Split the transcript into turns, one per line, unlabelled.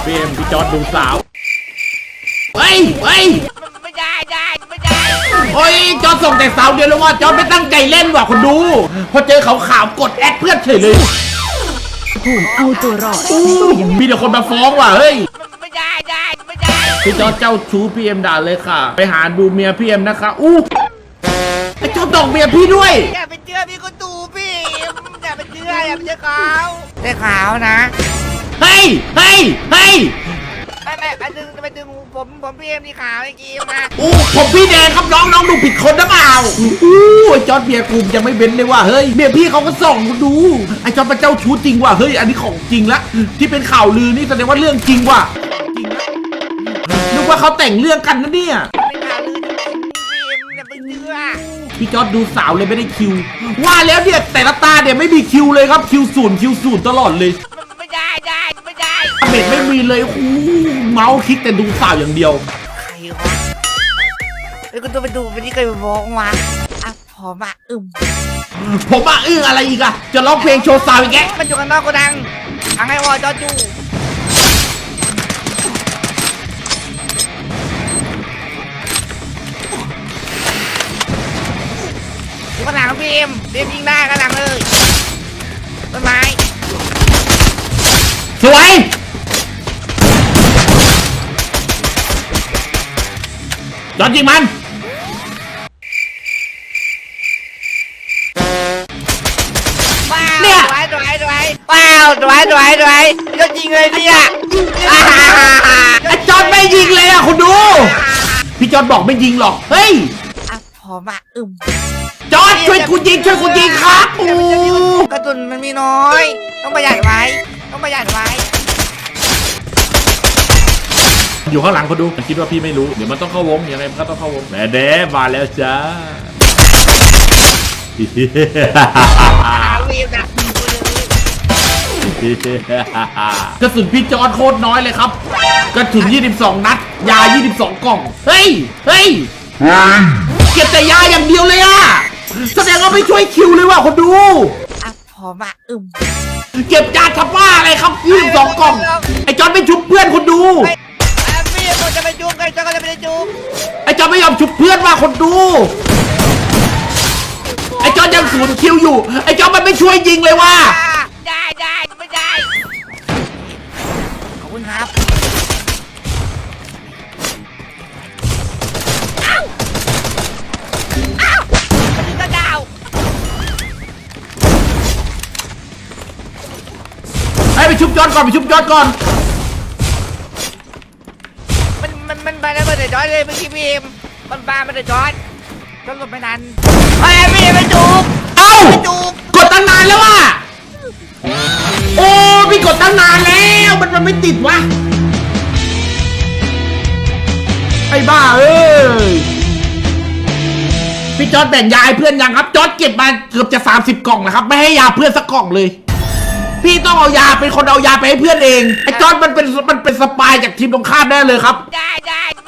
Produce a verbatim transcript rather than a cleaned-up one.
พี่เอ็มพี่จอร์ดดูสาวเฮ้ยเฮ้ย
ไม่ได้ได้ไม่ได้
โอ้ยจอร์ดส่งแต่สาวเดียวแล้วว่าจอร์ดไม่ตั้งใจเล่นว่ะคนดูพอเจอเขาขาวกดแอดเพื่อนเฉยเลย
ถูกเอาตัวรอด
มีแต่คนมาฟ้องว่ะเฮ้ย
ไม่ได้ได้ไม่ได้
พี่จอร์ดเจ้าชู้พี่เอ็มด่าเลยค่ะไปหาดูเมียพี่เอ็มนะคะอู้ไอ้จอร์ดตอกเมียพี่ด้วย
อย่าไปเชื่อพี่ก็ตูพี่อย่าไปเชื่ออย่าไปเชื่อเขาเชื่อเขานะ
เฮ้ยเฮ้ยเฮ้ย
ไปไปไปดึงไปดึงผมผมพี่เอ็มที่ขาวไอ้กีมา
อู้ผมพี่แดงครับน้องน้องดูผิดคนหรือเปล่าอู้ไอ้จอร์ดเมียกูยังไม่เบ้นเลยว่ะเฮ้ยเมียพี่เขาก็ส่องดูไอ้จอร์ดเป็นเจ้าชู้จริงว่ะเฮ้ยอันนี้ของจริงละที่เป็นข่าวลือนี่แสดงว่าเรื่องจริงว่ะนึกว่าเขาแต่งเรื่องกันนะเนี่ย
เป็นข่าวลือจริงพี่เอ็มอย่าไปเชื่อ
พี่จอร์ดดูสาวเลยไม่ได้คิวว่าแล้วเนี่ยแต่ละตาเนี่ยไม่มีคิวเลยครับคิวศูนย์คิวศูนย์ตลอดเลย
ไม่ได้ได้ไม่ได้
เบ็ดไม่มีเลยอู้เมาส์คลิกแต่ดูสาวอย่างเดียว
ใครวะไอ้กูตัวไปดูไปที่เคยมองมาอ่ะพอมาอึม
ผมมาอึ้งอะไรอีกอะจะร้องเพลงโชว์สาวอีกแก
มันอยู่กันนอกกูดังทางไอ้วอจอจูกระหลังพี่เอ็มเรียมยิงได้กระหลังเลยต้นไม้
สวยจอดยิงมัน
เนี่ยสวยสวยสวยว้าวสวยสวยสวยยอดยิงเลยเนี่ย
ไอ้จอดไม่ยิงเลยอะคุณดูพี่จอดบอกไม่ยิงหรอกเฮ้ย
อ่ะพอมาอึม
จอดช่วยกูยิงช่วยกูยิงครับโอ้
กระสุนมันมีน้อยต้องประหยัดไว้ต้องประหยัดไว้
อยู่ข้างหลังเขาดูมันคิดว่าพี่ไม่รู้เดี๋ยวมันต้องเข้าวงยังไงมันก็ต้องเข้าวงแหมเด้มาแล้วจ้ากระสุนพี่จอร์ดโคตรน้อยเลยครับกระสุนยี่สิบสองนัดยายี่สิบสองกล่องเฮ้ยเฮ้ยเก็บแต่ยาอย่างเดียวเลยอะแสดงว่าไม่ช่วยคิวเลยว่ะคนดู
อ่ะพอมาอึม
เก็บยาทับว่าอะไรครับยี่สิบสองกล่องไอ้จอร์ดไม่ชุบเพื่อนคนดู
พี่ผมจะไปจุ๊บใครจะก็จะไปจุ๊บ
ไอ้จอร์ดไม่ยอมชุบเพื่อนว่าคนดูไอ้จอร์ดยังศูนย์คิวอยู่ไอ้จอร์ดมันไม่ช่วยยิงเลยว่ะ
ได้ได้ไม่ได้ขอบคุณครับอ้าวอ้าวกระดาว
ไอ้ไปชุบจอร์ดก่อนไปชุบจอร์ดก่อน
มันมันมันไปแล้วมันจะจอดเลยเมื่อกี้พี่เอ็มมันปามันจะจอดจนหลบไม่ทันไอ้พี่ไปจูบ
เอ้า
จูบ
กดตั้งนานแล้วว่ะโอ้พี่กดตั้งนานแล้วมันมันไม่ติดวะไอ้บ้าเอ้ยพี่จอร์ดแบ่งยาให้เพื่อนยังครับจอร์ดเก็บมาเกือบจะสามสิบกล่องนะครับไม่ให้ยาเพื่อนสักกล่องเลยพี่ต้องเอายาเป็นคนเอายาไปให้เพื่อนเองไอ้จอร์ดมันเป็นมันเป็นสปายจากทีมตรงข้ามแน่เลยครับ
ได้ได้